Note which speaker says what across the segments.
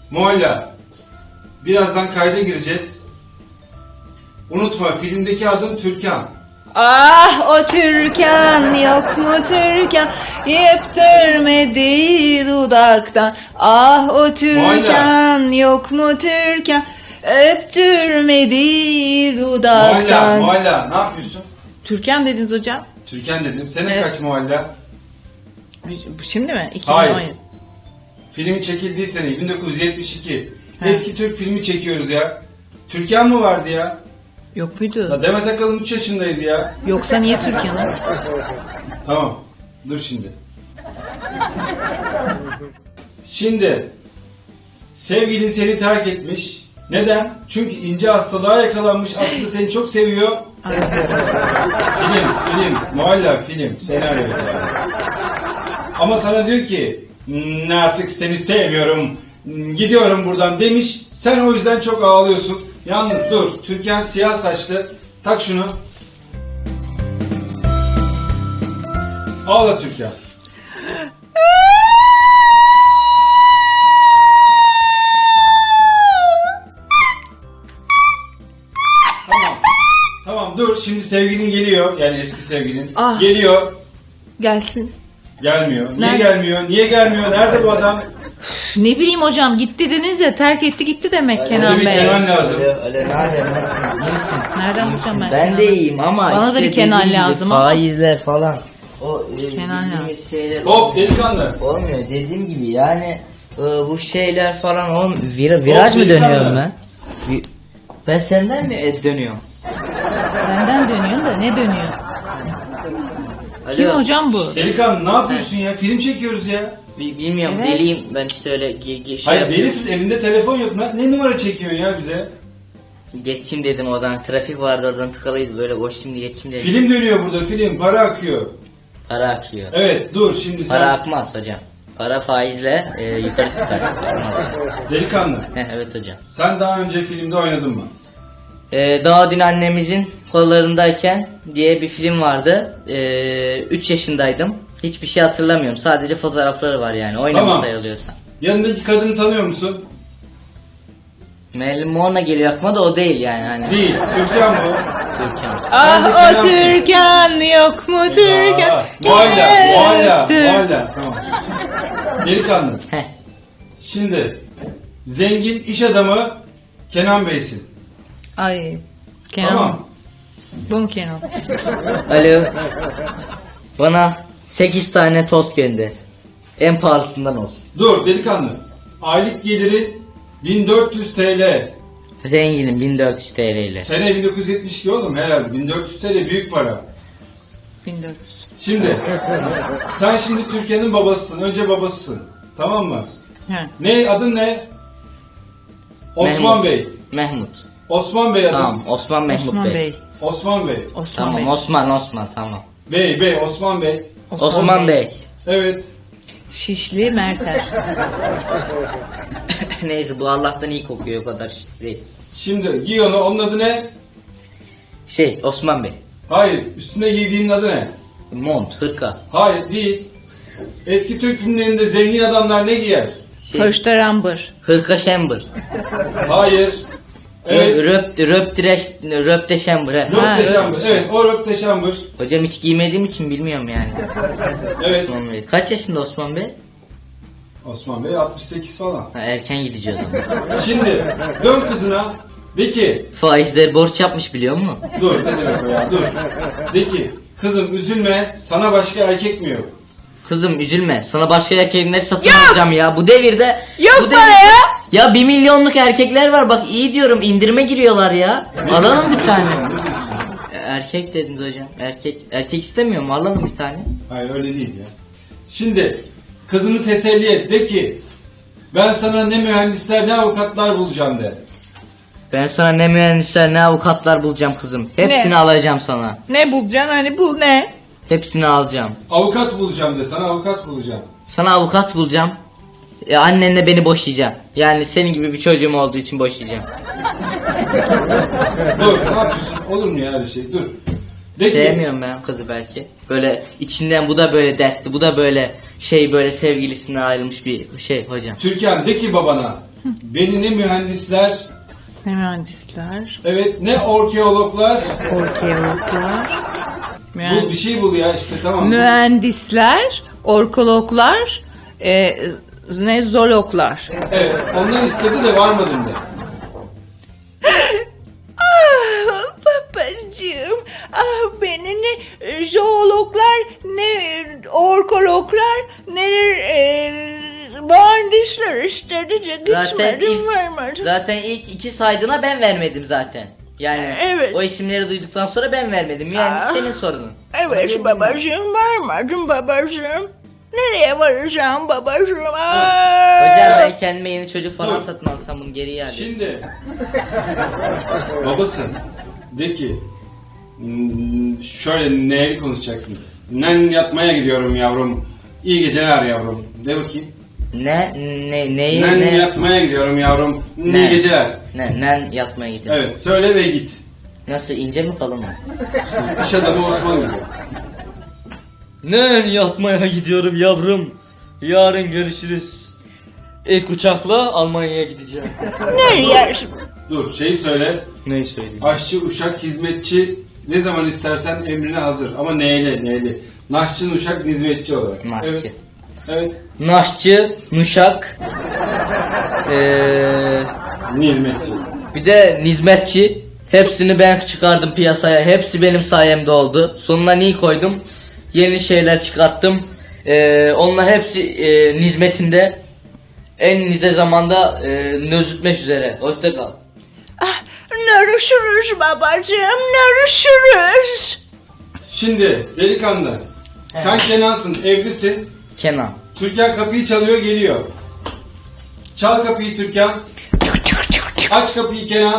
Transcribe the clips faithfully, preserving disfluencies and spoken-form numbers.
Speaker 1: Mualla, birazdan kayda gireceğiz. Unutma, filmdeki adın Türkan.
Speaker 2: Ah o Türkan yok mu Türkan, yeptirmedi dudaktan. Ah o Türkan yok mu Türkan, öptürmedi dudaktan.
Speaker 1: Mualla, Mualla, ne yapıyorsun?
Speaker 2: Türkan dediniz hocam.
Speaker 1: Türkan dedim. Sene
Speaker 2: Evet.
Speaker 1: kaç Mualla?
Speaker 2: Bu şimdi mi? iki bin on
Speaker 1: Hayır.
Speaker 2: yedi.
Speaker 1: Film çekildiği sene bin dokuz yüz yetmiş iki.
Speaker 2: He.
Speaker 1: Eski Türk filmi çekiyoruz ya. Türkan mı vardı ya?
Speaker 2: Yok muydu?
Speaker 1: La Demet Akalın üç yaşındaydı ya.
Speaker 2: Yoksa niye Türkan'ı?
Speaker 1: Tamam. Dur şimdi. Şimdi sevgilin seni terk etmiş. Neden? Çünkü ince hastalığa yakalanmış. Aslında seni çok seviyor. Film, film, mualla film, senaryo yani. Ama sana diyor ki "Hmm, artık seni sevmiyorum, hmm, gidiyorum buradan" demiş. Sen o yüzden çok ağlıyorsun. Yalnız dur, Türkan siyah saçlı. Tak şunu. Ağla Türkan. Tamam. Tamam dur, şimdi sevgilin geliyor. Yani eski sevgilin.
Speaker 2: Ah.
Speaker 1: Geliyor.
Speaker 2: Gelsin.
Speaker 1: Gelmiyor. Niye
Speaker 2: Nerede?
Speaker 1: gelmiyor? Niye gelmiyor? Nerede bu adam?
Speaker 2: Üf, ne bileyim hocam, gitti dediniz ya, terk etti gitti demek Kenan
Speaker 1: Bize bir
Speaker 2: Bey.
Speaker 1: Kenan lazım.
Speaker 3: Öyle, öyle ne haber, nasılsın? İyi misin?
Speaker 2: Nereden
Speaker 3: İyi
Speaker 2: bulacağım
Speaker 3: misin?
Speaker 2: ben
Speaker 3: Ben
Speaker 2: Kenan'ı?
Speaker 3: de iyiyim ama
Speaker 2: Bana da
Speaker 3: işte
Speaker 2: bir Kenan
Speaker 3: dediğim gibi
Speaker 2: lazım ama.
Speaker 3: faizler falan. O e,
Speaker 2: Kenan
Speaker 3: bildiğimiz
Speaker 2: lazım.
Speaker 3: şeyler
Speaker 1: Hop delikanlı.
Speaker 3: olmuyor. Dediğim gibi yani e, bu şeyler falan on vir, viraj
Speaker 1: Hop,
Speaker 3: mı
Speaker 1: delikanlı.
Speaker 3: dönüyorum ben? Vi- Ben senden mi e, dönüyorum?
Speaker 2: Benden dönüyor da ne dönüyor?
Speaker 3: Alo.
Speaker 2: Kim hocam bu?
Speaker 1: Delikanlı ne yapıyorsun ya? Film çekiyoruz ya.
Speaker 3: Bi- bilmiyorum
Speaker 2: Evet.
Speaker 3: deliyim ben işte öyle ge- ge- şey
Speaker 1: Hayır
Speaker 3: yapıyorum.
Speaker 1: delisin, elinde telefon yok. Ne, ne numara çekiyorsun ya bize?
Speaker 3: Geçeyim dedim oradan, trafik vardı oradan tıkalıydı, böyle boş şimdi geçeyim dedim.
Speaker 1: Film dönüyor burada, film. Para akıyor.
Speaker 3: Para akıyor.
Speaker 1: Evet dur şimdi sen.
Speaker 3: Para akmaz hocam. Para faizle e, yukarı çıkar. Akmaz.
Speaker 1: Delikanlı.
Speaker 3: Heh, evet hocam.
Speaker 1: Sen daha önce filmde oynadın mı?
Speaker 3: Ee, Daha dün annemizin kollarındayken diye bir film vardı. üç yaşındaydım. Hiçbir şey hatırlamıyorum. Sadece fotoğrafları var yani. Oynamış
Speaker 1: Tamam.
Speaker 3: sayılıyorsa.
Speaker 1: Yanındaki kadını tanıyor musun?
Speaker 3: Marilyn Monroe geliyor aklıma da o değil yani. Hani.
Speaker 1: Değil. Türkan bu.
Speaker 3: Türkan.
Speaker 1: Sen de
Speaker 2: Ah o
Speaker 1: Kenansın.
Speaker 2: Türkan yok mu Türkan?
Speaker 1: Aa, Mualla, mualla,
Speaker 2: Tür-
Speaker 1: mualla. Tamam. Delikanlı.
Speaker 3: Heh.
Speaker 1: Şimdi zengin iş adamı Kenan Bey'sin.
Speaker 2: Ay Kenan.
Speaker 1: Tamam.
Speaker 2: Bu mu Kenan?
Speaker 3: Alo. Bana sekiz tane tost gönder. En pahalısından olsun.
Speaker 1: Dur delikanlı. Aylık geliri bin dört yüz TL.
Speaker 3: Zenginim bin dört yüz T L ile.
Speaker 1: Sene bin dokuz yüz yetmiş iki oğlum herhalde. bin dört yüz TL büyük para.
Speaker 2: bin dört yüz.
Speaker 1: Şimdi sen şimdi Türkiye'nin babasısın. Önce babasısın. Tamam mı?
Speaker 2: He.
Speaker 1: Ne adın ne? Osman
Speaker 3: Mehmut.
Speaker 1: Bey.
Speaker 3: Mehmut.
Speaker 1: Osman Bey adın.
Speaker 3: Tamam Osman Mehmut
Speaker 2: Osman
Speaker 3: Bey.
Speaker 2: Bey.
Speaker 1: Osman Bey.
Speaker 2: Osman
Speaker 3: Tamam
Speaker 2: Bey.
Speaker 3: Osman Osman tamam.
Speaker 1: Bey Bey Osman Bey.
Speaker 3: Osman Bey.
Speaker 1: Evet.
Speaker 2: Şişli Merter.
Speaker 3: Neyse bu Allah'tan iyi kokuyor, o kadar şey değil.
Speaker 1: Şimdi giy onu. Onun adı ne?
Speaker 3: Şey Osman Bey.
Speaker 1: Hayır. Üstüne giydiğinin adı ne?
Speaker 3: Mont, hırka.
Speaker 1: Hayır değil. Eski Türk filmlerinde zengin adamlar ne giyer?
Speaker 3: Şey,
Speaker 2: First Ramber.
Speaker 3: hırka şembır.
Speaker 1: Hayır. Evet.
Speaker 3: Röp, röp, direş, röp de şembır. he.
Speaker 2: Ha,
Speaker 1: Röpteşambır. Evet o röpteşambır.
Speaker 3: Hocam hiç giymediğim için bilmiyorum yani.
Speaker 1: Evet.
Speaker 3: Osman Bey. Kaç yaşında Osman Bey?
Speaker 1: Osman Bey altmış sekiz falan.
Speaker 3: Ha, erken gidici o zaman.
Speaker 1: Şimdi dön kızına. De ki.
Speaker 3: Faizler borç yapmış biliyor musun?
Speaker 1: Dur ne demek o ya dur. De ki. Kızım üzülme. Sana başka erkek mi yok?
Speaker 3: Kızım üzülme. Sana başka erkekleri satın alacağım ya. Bu devirde.
Speaker 2: Yok
Speaker 3: bu
Speaker 2: bana ya.
Speaker 3: Ya bir milyonluk erkekler var. Bak iyi diyorum, indirime giriyorlar ya. Alalım bir tane. Erkek dediniz hocam. Erkek. Erkek istemiyor mu? Alalım bir tane.
Speaker 1: Hayır öyle değil ya. Şimdi kızını teselli et. De ki. Ben sana ne mühendisler ne avukatlar bulacağım de.
Speaker 3: Ben sana ne mühendisler ne avukatlar bulacağım kızım. Hepsini
Speaker 2: Ne?
Speaker 3: alacağım sana.
Speaker 2: Ne bulacaksın hani, bu ne?
Speaker 3: Hepsini alacağım.
Speaker 1: Avukat bulacağım de. Sana avukat bulacağım.
Speaker 3: Sana avukat bulacağım. E, annenle beni boşayacağım. Yani senin gibi bir çocuğum olduğu için boşayacağım.
Speaker 1: Dur ne yapıyorsun? Olur mu ya öyle şey? Dur. De ki.
Speaker 3: Sevmiyorum ben kızı belki. Böyle içinden bu da böyle dertli, bu da böyle şey, böyle sevgilisine ayrılmış bir şey hocam.
Speaker 1: Türkan de ki babana. Beni ne mühendisler,
Speaker 2: Ne mühendisler,
Speaker 1: evet ne orkeologlar,
Speaker 2: orkeologlar,
Speaker 1: bul bir şey bul ya işte tamam.
Speaker 2: mühendisler, orkologlar, e, ne zoologlar.
Speaker 1: Evet ondan istedi de varmadım de.
Speaker 2: Ah babacığım, ah beni ne zoologlar, ne orkologlar, ne e, mühendisler istedi de
Speaker 3: Zaten
Speaker 2: gitmedim
Speaker 3: ilk,
Speaker 2: vermedim.
Speaker 3: zaten ilk iki saydığına ben vermedim zaten. Yani
Speaker 2: Evet.
Speaker 3: o isimleri duyduktan sonra ben vermedim. Yani
Speaker 2: Aa.
Speaker 3: senin sorunun.
Speaker 2: Evet babacığım, vermedim babacığım. Nereye varacağım babacığım? Aa!
Speaker 3: Hocam ben kendime yeni çocuk falan
Speaker 1: Dur.
Speaker 3: satın alsam bunu geri iade.
Speaker 1: Şimdi babası de ki "Hmm, şöyle neyli konuşacaksın. Nen yatmaya gidiyorum yavrum. İyi geceler yavrum. De bakayım.
Speaker 3: Ne ne neyi
Speaker 1: Nen
Speaker 3: ne
Speaker 1: yatmaya gidiyorum yavrum. İyi
Speaker 3: Ne?
Speaker 1: geceler.
Speaker 3: ne nen yatmaya gidiyorum.
Speaker 1: Evet söyle ve git.
Speaker 3: Nasıl ince mi kalın mı?
Speaker 1: İş adamı Osman gibi.
Speaker 3: Nen yatmaya gidiyorum yavrum. Yarın görüşürüz. İlk uçakla Almanya'ya gideceğim.
Speaker 2: Nereye?
Speaker 1: Dur şeyi söyle.
Speaker 3: Neyi söyleyeyim?
Speaker 1: Aşçı, uşak, hizmetçi ne zaman istersen emrine hazır. Ama neyle neyle. Naşçı, uşak, hizmetçi olarak.
Speaker 3: Naşçı.
Speaker 1: Evet. Evet.
Speaker 3: Naşçı, Nuşak, ee,
Speaker 1: Hizmetçi.
Speaker 3: bir de Nizmetçi. Hepsini ben çıkardım piyasaya. Hepsi benim sayemde oldu. Sonuna ni koydum. Yeni şeyler çıkarttım. Ee, onlar hepsi e, nizmetinde. En nize zamanda e, nözütmek üzere. Hoşça kal.
Speaker 2: Ah, görüşürüz babacığım, görüşürüz.
Speaker 1: Şimdi delikanlı. Sen Kenan'sın, evlisin.
Speaker 3: Kenan.
Speaker 1: Türkan kapıyı çalıyor, geliyor. Çal kapıyı Türkan. Aç kapıyı Kenan.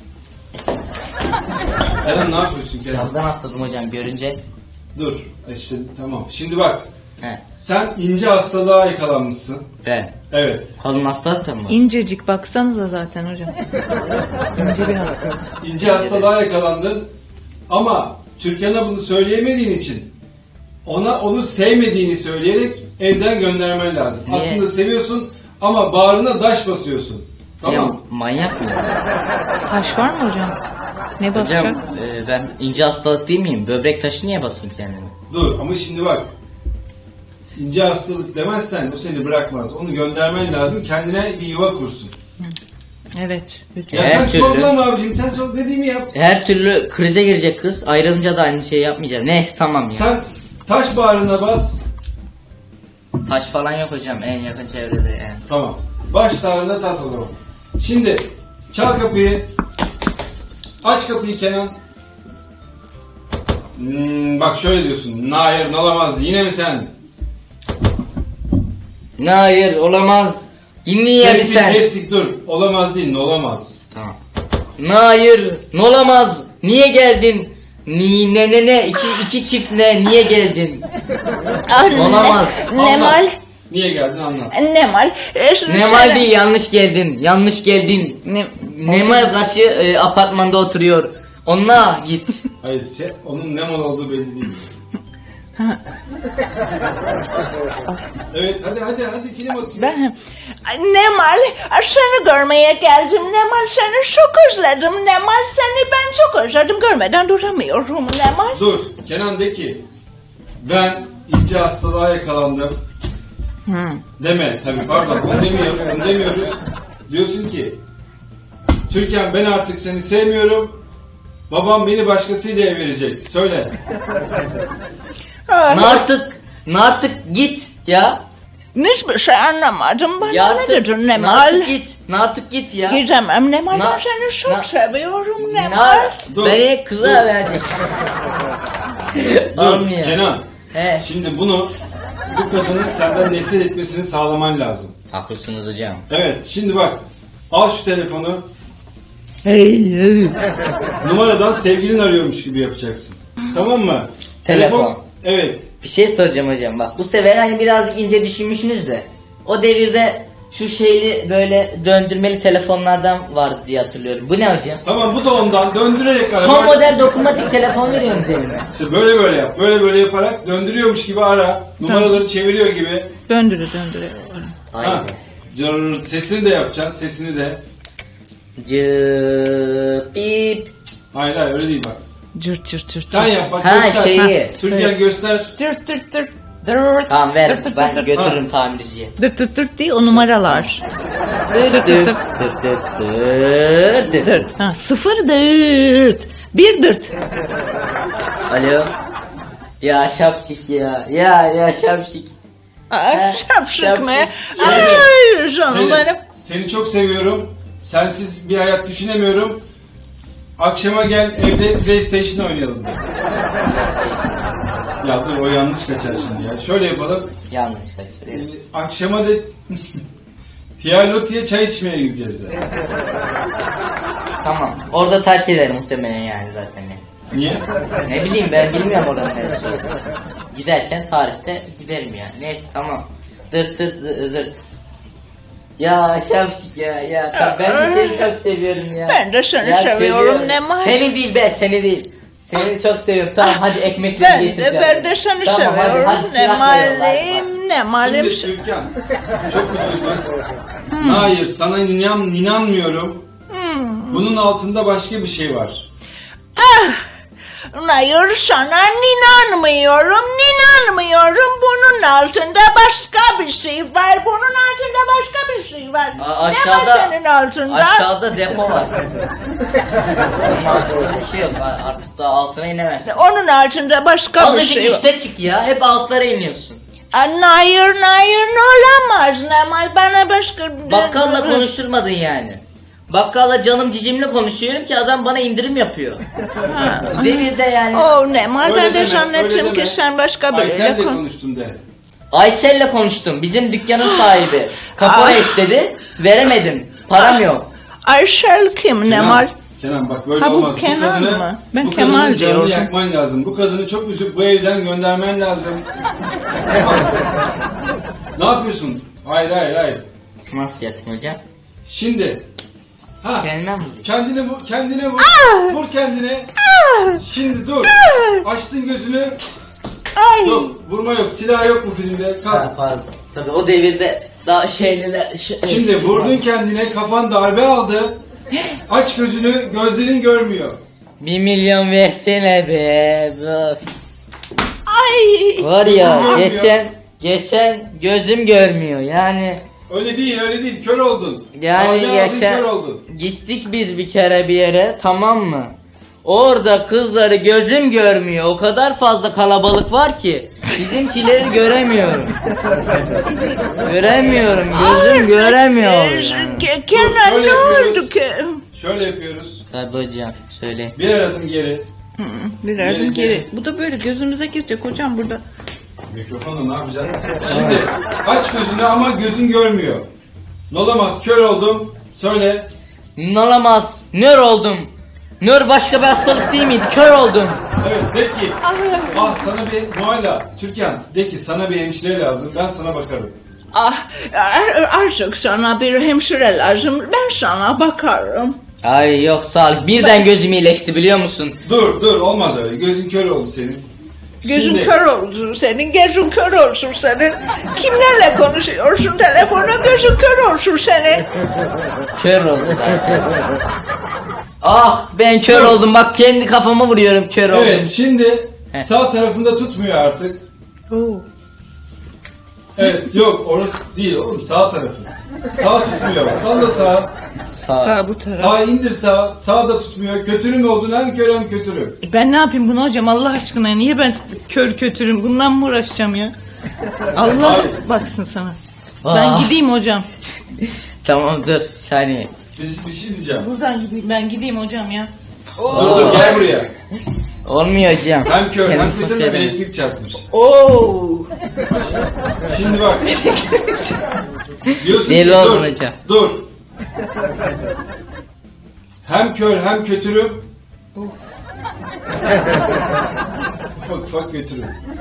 Speaker 1: Eren ne yapıyorsun Kenan?
Speaker 3: Camdan atladım hocam görünce.
Speaker 1: Dur. İşte tamam. Şimdi bak.
Speaker 3: He.
Speaker 1: Sen ince hastalığa yakalanmışsın.
Speaker 3: Ben.
Speaker 1: Evet.
Speaker 3: Kalın hastalık mı?
Speaker 2: İncecik baksanıza zaten hocam. İnce bir hastalık.
Speaker 1: İnce hastalığa yakalandın. Ama Türkan'a bunu söyleyemediğin için ona onu sevmediğini söyleyerek evden göndermen lazım.
Speaker 3: Niye?
Speaker 1: Aslında seviyorsun ama bağrına daş basıyorsun. Tamam.
Speaker 3: Ya, manyak mı?
Speaker 2: Taş var mı hocam? Ne basacak?
Speaker 3: Hocam e, ben ince hastalık değil miyim? Böbrek taşı niye basayım kendime?
Speaker 1: Dur ama şimdi bak. İnce hastalık demezsen bu seni bırakmaz. Onu göndermen lazım. Kendine bir yuva kursun.
Speaker 2: Evet.
Speaker 1: Ya
Speaker 2: Lütfen.
Speaker 3: Her
Speaker 1: sen
Speaker 3: türlü.
Speaker 1: sorgulama abicim. Sen sor dediğimi yap.
Speaker 3: Her türlü krize girecek kız. Ayrılınca da aynı şeyi yapmayacağım. Neyse tamam ya.
Speaker 1: Sen taş bağrına bas.
Speaker 3: Taş falan yok hocam en yakın çevrede yani.
Speaker 1: Tamam. Baş ağrına tat o zaman. Şimdi çal kapıyı. Aç kapıyı Kenan. Hmm, bak şöyle diyorsun. Hayır olamaz. Yine mi sen?
Speaker 3: Ne hayır olamaz. Dinleyin mi
Speaker 1: Kestik
Speaker 3: sen?
Speaker 1: kestik dur. Olamaz değil ne olamaz.
Speaker 3: Tamam. Ne hayır ne olamaz. Niye geldin? Ni ne ne ne iki, iki çift ne niye geldin?
Speaker 2: Anne,
Speaker 3: Olamaz.
Speaker 2: Nemal.
Speaker 1: Anlat. Niye geldin anlat.
Speaker 2: Nemal.
Speaker 3: Nemal değil yanlış geldin. Yanlış geldin.
Speaker 2: Ne,
Speaker 3: Nemal karşı e, apartmanda oturuyor. Onunla git.
Speaker 1: Hayır se- onun ne mal olduğu belli değil. Evet hadi hadi hadi film bakıyor.
Speaker 2: Ben Nemal, seni görmeye geldim. Nemal, seni çok özledim. Nemal, seni ben çok özledim. Görmeden duramıyorum Nemal.
Speaker 1: Dur Kenan de ki ben ince hastalığa yakalandım.
Speaker 2: Hı.
Speaker 1: Deme tabii pardon onu demiyoruz, onu demiyoruz. Diyorsun ki Türkan ben artık seni sevmiyorum. Babam beni başkasıyla ev verecek. Söyle.
Speaker 3: Ne artık ne artık git ya.
Speaker 2: Hiçbir şey anlamadım. Bana
Speaker 3: Ya
Speaker 2: ne
Speaker 3: artık,
Speaker 2: dedin
Speaker 3: ne
Speaker 2: Nemal?
Speaker 3: artık git. Ne artık git ya.
Speaker 2: Gidemem Nemal,
Speaker 3: Na-
Speaker 2: ben seni çok
Speaker 3: na-
Speaker 2: seviyorum
Speaker 3: Ne
Speaker 2: Nemal.
Speaker 1: Dur.
Speaker 3: Beni kıza verecek.
Speaker 1: Dur
Speaker 3: Olmuyor.
Speaker 1: Kenan.
Speaker 3: He.
Speaker 1: Şimdi bunu bu kadının senden nefret etmesini sağlaman lazım.
Speaker 3: Haklısınız hocam.
Speaker 1: Evet şimdi bak al şu telefonu
Speaker 2: Hey, hey.
Speaker 1: numaradan sevgilin arıyormuş gibi yapacaksın. Tamam mı?
Speaker 3: Telefon.
Speaker 1: Evet.
Speaker 3: Bir şey soracağım hocam bak bu sefer hani birazcık ince düşünmüşsünüz de o devirde şu şeyli böyle döndürmeli telefonlardan vardı diye hatırlıyorum. Bu ne hocam?
Speaker 1: Tamam bu da ondan döndürerek ara.
Speaker 3: Son
Speaker 1: Bak,
Speaker 3: model dokunmatik telefon veriyorsunuz elime.
Speaker 1: İşte böyle böyle yap. Böyle böyle yaparak döndürüyormuş gibi ara. Numaraları çeviriyor gibi.
Speaker 2: Döndürü döndürü.
Speaker 3: Hayır.
Speaker 1: Ha. Cırrrt. Sesini de yapacaksın. Sesini de.
Speaker 3: Cıp bip.
Speaker 1: Hayır hayır öyle değil bak.
Speaker 2: Cırt cırt cırt.
Speaker 1: Sen yap bak
Speaker 3: Ha,
Speaker 1: göster.
Speaker 3: şeyi.
Speaker 1: Türkan göster.
Speaker 2: Dırt dırt dırt. Dırt.
Speaker 3: Tamam ver
Speaker 2: Dırt dırt
Speaker 3: ben
Speaker 2: dırt.
Speaker 3: götürürüm tamirciye.
Speaker 2: Dırt dırt dırt değil o numaralar. Dırt dırt
Speaker 3: Dırt
Speaker 2: dırt.
Speaker 3: dırt dırt dırt dırt.
Speaker 2: Dırt. Ha, sıfır dırt. Bir dırt.
Speaker 3: Alo. Ya şapşik ya. Ya ya şapşik.
Speaker 2: Ay
Speaker 3: Ha,
Speaker 2: şapşık mı?
Speaker 3: şapşık.
Speaker 2: Ay canım
Speaker 1: Pelin,
Speaker 2: benim.
Speaker 1: seni çok seviyorum. Sensiz bir hayat düşünemiyorum. Akşama gel evde PlayStation oynayalım. de. Ya dur o yanlış kaçar şimdi ya. Şöyle yapalım.
Speaker 3: Yanlış
Speaker 1: Ee,
Speaker 3: kaçırıyorum.
Speaker 1: akşama da Pierre Loti'ye çay içmeye gideceğiz de.
Speaker 3: Tamam. Orada terk eder muhtemelen yani zaten.
Speaker 1: Niye?
Speaker 3: Ne bileyim ben bilmiyorum oranın neresi olduğunu. Giderken tarihte giderim yani. Neyse tamam. Dırt dırt zı- zırt. Ya şapşik ya ya. Tabii ben de seni çok seviyorum ya.
Speaker 2: Ben de seni
Speaker 3: Ya
Speaker 2: seviyorum, ne var?
Speaker 3: Seni değil be seni değil. Seni çok seviyorum. Tamam hadi ekmekleri
Speaker 2: Ben
Speaker 3: getir.
Speaker 2: de, ben de seni
Speaker 3: Tamam, hadi,
Speaker 2: seviyorum.
Speaker 3: hadi,
Speaker 2: Ne
Speaker 3: çırakla yolla, hadi,
Speaker 2: malum, ne malum.
Speaker 1: Şimdi Türkan çok üzüldüm. Hayır sana inan, inanmıyorum.
Speaker 2: Hmm.
Speaker 1: Bunun altında başka bir şey var.
Speaker 2: Ah! Hayır sana inanmıyorum, inanmıyorum. Bunun altında başka bir şey var. Bunun altında başka bir şey var.
Speaker 3: A-
Speaker 2: ne var
Speaker 3: aşağıda-
Speaker 2: senin altında?
Speaker 3: Aşağıda depo var. Onun altında bir şey yok. Artık da altına inemezsin.
Speaker 2: Onun altında başka bir
Speaker 3: Azıcık
Speaker 2: şey var.
Speaker 3: üste çık ya. Hep altlara iniyorsun.
Speaker 2: Aa, hayır, hayır, olamaz. Nemal bana başka...
Speaker 3: Bakkalla konuşturmadın yani. Bakkalla canım cicimle konuşuyorum ki adam bana indirim yapıyor.
Speaker 2: Ha.
Speaker 3: Devirde yani.
Speaker 2: Oh Nemal,
Speaker 1: Öyle
Speaker 2: ben de
Speaker 1: deme,
Speaker 2: zannettim
Speaker 1: öyle deme.
Speaker 2: ki sen başka
Speaker 1: Aysel'le
Speaker 2: biriyle kon...
Speaker 1: konuştum de.
Speaker 3: Aysel'le konuştum. Bizim dükkanın sahibi. Kapora
Speaker 2: Ah.
Speaker 3: istedi. Veremedim. Param yok.
Speaker 2: Aysel kim Nemal?
Speaker 1: Kenan bak böyle
Speaker 2: Ha, bu
Speaker 1: olmaz.
Speaker 2: Kenan
Speaker 1: kadını,
Speaker 2: mı? Ben
Speaker 1: bu
Speaker 2: Kemal
Speaker 1: kadının canını
Speaker 2: diyorum.
Speaker 1: yakman lazım. Bu kadını çok üzüp bu evden göndermen lazım. Ne yapıyorsun? Hayır hayır hayır.
Speaker 3: Nasıl yapayım hocam?
Speaker 1: Şimdi. Ha.
Speaker 3: Kendime mi vurayım?
Speaker 1: Kendine vur, kendine vur.
Speaker 2: Ah!
Speaker 1: Vur kendine. Şimdi dur. Açtın gözünü.
Speaker 2: Ay.
Speaker 1: Yok, vurma yok. Silah yok bu filmde.
Speaker 3: Ha,
Speaker 1: Kalk.
Speaker 3: pardon. Tabii o devirde daha şeyliler... Ş-
Speaker 1: Şimdi vurdun kendine, kafan darbe aldı. Aç gözünü, gözlerin görmüyor.
Speaker 3: Bir milyon versene be. Bak.
Speaker 2: Ay.
Speaker 3: Var ya
Speaker 1: Görmüyor.
Speaker 3: geçen geçen gözüm görmüyor yani.
Speaker 1: Öyle değil, öyle değil. Kör oldun.
Speaker 3: Yani
Speaker 1: Darbe aldın,
Speaker 3: geçen
Speaker 1: kör oldun.
Speaker 3: gittik biz bir kere bir yere, tamam mı? Orada kızları gözüm görmüyor. O kadar fazla kalabalık var ki bizimkileri göremiyorum. Göremiyorum. Gözüm göremiyor.
Speaker 2: Ee,
Speaker 3: Yani.
Speaker 2: Ke- Kenan
Speaker 1: Dur, şöyle
Speaker 2: ne
Speaker 1: yapıyoruz.
Speaker 2: oldu ki?
Speaker 1: Şöyle yapıyoruz.
Speaker 3: Tabii hocam söyle.
Speaker 1: Bir adım geri.
Speaker 2: Hı, bir adım
Speaker 1: Geri,
Speaker 2: geri.
Speaker 1: geri.
Speaker 2: Bu da böyle gözünüze girecek hocam burada.
Speaker 1: Mikrofonla ne yapacaksın? Şimdi aç gözünü ama gözün görmüyor. Nolamaz, kör oldum. Söyle.
Speaker 3: Olamaz. Nör oldum. Nör başka bir hastalık değil miydi? Kör oldum.
Speaker 1: Evet, de ki.
Speaker 2: Ah.
Speaker 1: Ah sana bir Muayla. Türkan, de ki sana bir hemşire lazım. Ben sana bakarım.
Speaker 2: Ah, ar- artık sana bir hemşire lazım. Ben sana bakarım.
Speaker 3: Ay yok sağ ol. Birden gözüm iyileşti biliyor musun?
Speaker 1: Dur, dur. Olmaz öyle. Gözün kör oldu senin.
Speaker 2: Gözün
Speaker 1: Şimdi-
Speaker 2: kör olsun senin, gözün kör olsun senin. Kimlerle konuşuyorsun telefona, gözün kör olsun senin.
Speaker 3: Kör oldum zaten. Ah ben kör oldum bak kendi kafama vuruyorum kör oldum.
Speaker 1: Evet, şimdi
Speaker 3: Heh.
Speaker 1: sağ tarafında tutmuyor artık. Evet, yok orası değil oğlum, sağ tarafı. Sağ tutmuyor. Salla sağ.
Speaker 3: Sağ ol.
Speaker 2: Sağ bu taraf.
Speaker 1: Sağ indir sağ. Sağ da tutmuyor. Kötürüm oldun, hem kör hem kötürüm.
Speaker 2: Ben ne yapayım bunu hocam Allah aşkına, niye ben kör kötürüm, bundan mı uğraşacağım ya? Allah
Speaker 1: Hayır.
Speaker 2: baksın sana.
Speaker 3: Ah.
Speaker 2: Ben gideyim hocam.
Speaker 3: Tamam dur bir saniye.
Speaker 1: Bir, bir şey diyeceğim.
Speaker 2: Buradan gideyim, ben gideyim hocam ya.
Speaker 1: Dur dur gel buraya.
Speaker 3: Olmuyor hocam.
Speaker 1: Hem kör hem
Speaker 3: Kendim
Speaker 1: kötürüm,
Speaker 3: konserim.
Speaker 1: elektrik çarpmış.
Speaker 2: Oo.
Speaker 1: Şimdi bak. Diyorsun
Speaker 3: Deli
Speaker 1: ki
Speaker 3: oldun
Speaker 1: dur.
Speaker 3: hocam.
Speaker 1: Dur. Hem kör hem kötürüm. ufak ufak kötürüm.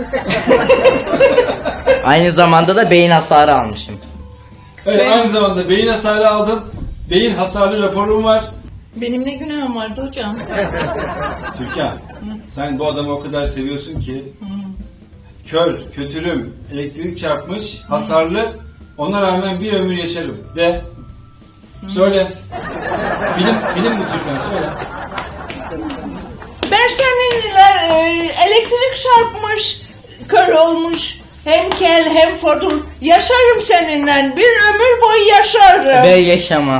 Speaker 3: Aynı zamanda da beyin hasarı almışım.
Speaker 1: Evet,
Speaker 2: Ben-
Speaker 1: aynı zamanda beyin hasarı aldın. Beyin hasarlı raporum var.
Speaker 2: Benim ne günahım vardı hocam?
Speaker 1: Türkan, sen bu adamı o kadar seviyorsun ki kör, kötürüm, elektrik çarpmış, hasarlı Ona rağmen bir ömür yaşarım. De. Söyle. Film, film bu Türkan, söyle.
Speaker 2: Ben seninle e, elektrik çarpmış, kör olmuş, hem kel hem fodul. Yaşarım seninle, bir ömür boyu yaşarım.
Speaker 3: Ben yaşamam.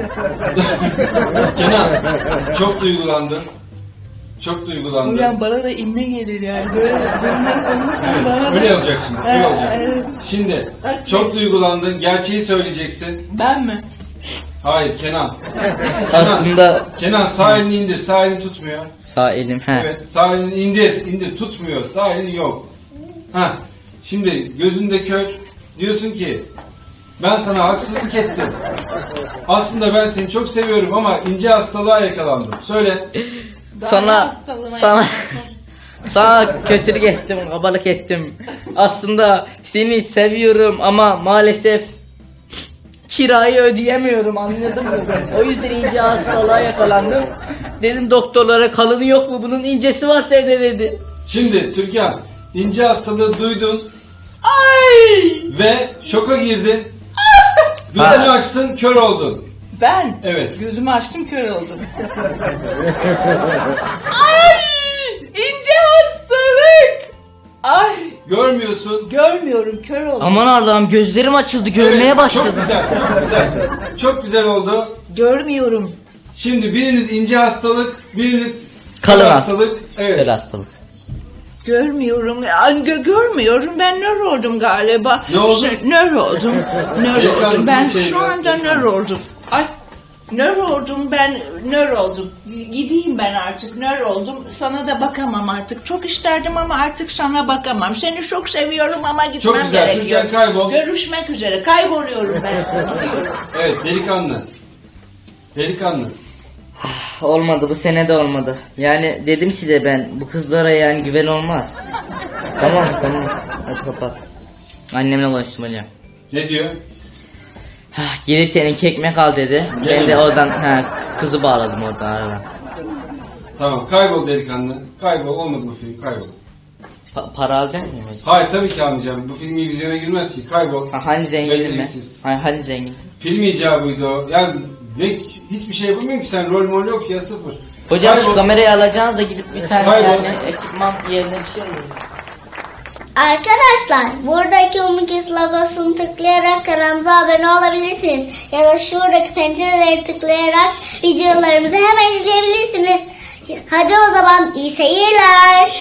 Speaker 1: Kenan, çok duygulandın. Çok duygulandın.
Speaker 2: Ulan bana da inme gelir yani. Böyle bunlar konuşurken bana da-
Speaker 1: Öyle olacak şimdi, öyle
Speaker 2: Evet,
Speaker 1: olacak.
Speaker 2: evet.
Speaker 1: Şimdi, çok duygulandın, gerçeği söyleyeceksin.
Speaker 2: Ben mi?
Speaker 1: Hayır, Kenan.
Speaker 3: Aslında
Speaker 1: Kenan, sağ elini indir, sağ elini tutmuyor.
Speaker 3: sağ elim he.
Speaker 1: Evet, sağ elini indir, indir, tutmuyor, sağ elin yok. Ha, şimdi gözünde kör, diyorsun ki, ben sana haksızlık ettim. Aslında ben seni çok seviyorum ama ince hastalığa yakalandım. Söyle.
Speaker 3: Sana
Speaker 2: hastalığıma
Speaker 3: sana sana kötülük ettim, kabalık ettim. Aslında seni seviyorum ama maalesef kirayı ödeyemiyorum, anladın mı ben? O yüzden ince hastalığa yakalandım. Dedim doktorlara, kalını yok mu bunun, incesi varsa de dedi.
Speaker 1: Şimdi Türkan, ince hastalığı duydun
Speaker 2: Ay!
Speaker 1: ve şoka girdin. Gözünü
Speaker 3: Ha.
Speaker 1: açtın, kör oldun.
Speaker 2: Ben?
Speaker 1: Evet.
Speaker 2: Gözümü açtım, kör oldum. Ay! İnce hastalık! Ay!
Speaker 1: Görmüyorsun.
Speaker 2: Görmüyorum, kör oldum.
Speaker 3: Aman Allah'ım, gözlerim açıldı, görmeye
Speaker 1: Evet,
Speaker 3: başladım.
Speaker 1: Çok güzel, çok güzel. Çok güzel oldu.
Speaker 2: Görmüyorum.
Speaker 1: Şimdi biriniz ince hastalık, biriniz
Speaker 3: Kalın
Speaker 1: kör
Speaker 3: hastalık.
Speaker 1: Evet.
Speaker 3: Böyle hastalık.
Speaker 2: Görmüyorum. Ya, gö- görmüyorum. Ben nör oldum galiba.
Speaker 1: Ne oldun?
Speaker 2: Şey, nör oldum. Nör
Speaker 1: Ekran
Speaker 2: oldum. Ben
Speaker 1: şey
Speaker 2: şu
Speaker 1: biraz
Speaker 2: anda
Speaker 1: şey.
Speaker 2: nör oldum. Ay, nör oldum. Ben nör oldum. Gideyim ben artık. Nör oldum. Sana da bakamam artık. Çok isterdim ama artık sana bakamam. Seni çok seviyorum ama gitmem
Speaker 1: Çok güzel,
Speaker 2: gerekiyor.
Speaker 1: Türkan kaybol.
Speaker 2: Görüşmek üzere. Kayboluyorum ben. Gidiyorum.
Speaker 1: Evet, delikanlı. Delikanlı.
Speaker 3: Olmadı, bu sene de olmadı. Yani dedim size, ben bu kızlara yani güven olmaz. Tamam tamam, hadi kapat. Annemle ulaştırmalıyım.
Speaker 1: Ne diyor?
Speaker 3: Hah, Gelip seninki ekmek al dedi. Ben
Speaker 1: Gelin.
Speaker 3: de oradan ha, kızı bağladım oradan aradan.
Speaker 1: Tamam, kaybol delikanlı. Kaybol, olmadı bu film, kaybol.
Speaker 3: Pa- para alacak mıyım hocam?
Speaker 1: Hayır, tabii ki almayacağım. Bu film vizyona girmez ki, kaybol.
Speaker 3: Ha, hani zenginim mi?
Speaker 1: Beceriksiz.
Speaker 3: Ha, hani zengin.
Speaker 1: Film icabıydı o. Yani ne, hiçbir şey yapamıyorum ki, sen rol mol yok ya, sıfır.
Speaker 3: Hocam
Speaker 1: Kaybol.
Speaker 3: şu kamerayı alacağınız da gidip bir tane
Speaker 1: Kaybol.
Speaker 3: yani ekipman yerine bir şey alalım.
Speaker 4: Arkadaşlar buradaki Umikis logosunu tıklayarak kanalımıza abone olabilirsiniz. Ya da şuradaki pencereleri tıklayarak videolarımızı hemen izleyebilirsiniz. Hadi o zaman iyi seyirler.